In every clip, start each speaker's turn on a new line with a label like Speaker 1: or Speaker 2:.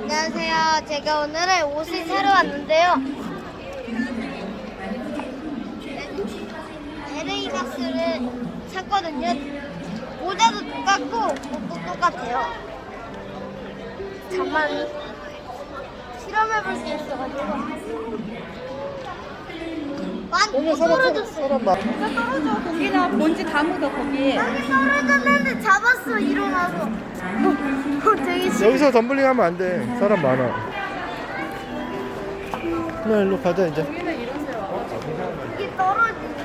Speaker 1: 안녕하세요. 제가 오늘은 옷을 사러 왔는데요. LA 박스를 샀거든요. 모자도 똑같고 옷도 똑같아요. 잠만 실험해볼 수 있어가지고.
Speaker 2: 오늘
Speaker 1: 떨어졌어.
Speaker 2: 사람 봐.
Speaker 3: 떨어져. 거기나 먼지 다 묻어 거기.
Speaker 1: 여기 떨어졌는데 잡았어. 일어나서. 되게 신기해.
Speaker 2: 여기서 덤블링 하면 안 돼. 사람 많아. 그냥 일로 가자 이제.
Speaker 1: 이게 떨어지냐?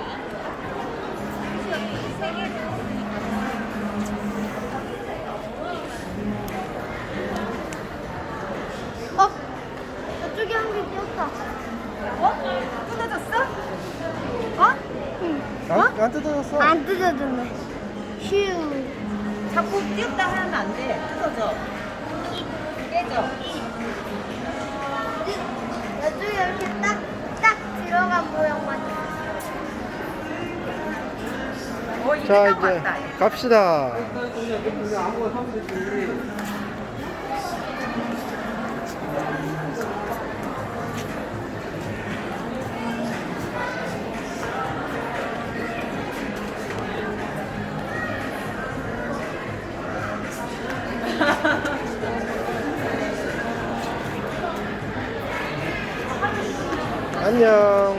Speaker 1: 저쪽에 한 개 끼었다.
Speaker 3: 뜯어졌어?
Speaker 1: 어? 응.
Speaker 2: 안 뜯어졌어.
Speaker 1: 안 뜯어졌네. 휴.
Speaker 3: 자꾸 띄었다 하면 안 돼. 뜯어져. 깨져.
Speaker 1: 이쪽에 이렇게 딱 들어간 모양만 있어.
Speaker 3: 이게
Speaker 2: 자
Speaker 3: 딱
Speaker 2: 이제
Speaker 3: 왔다.
Speaker 2: 갑시다. 안녕.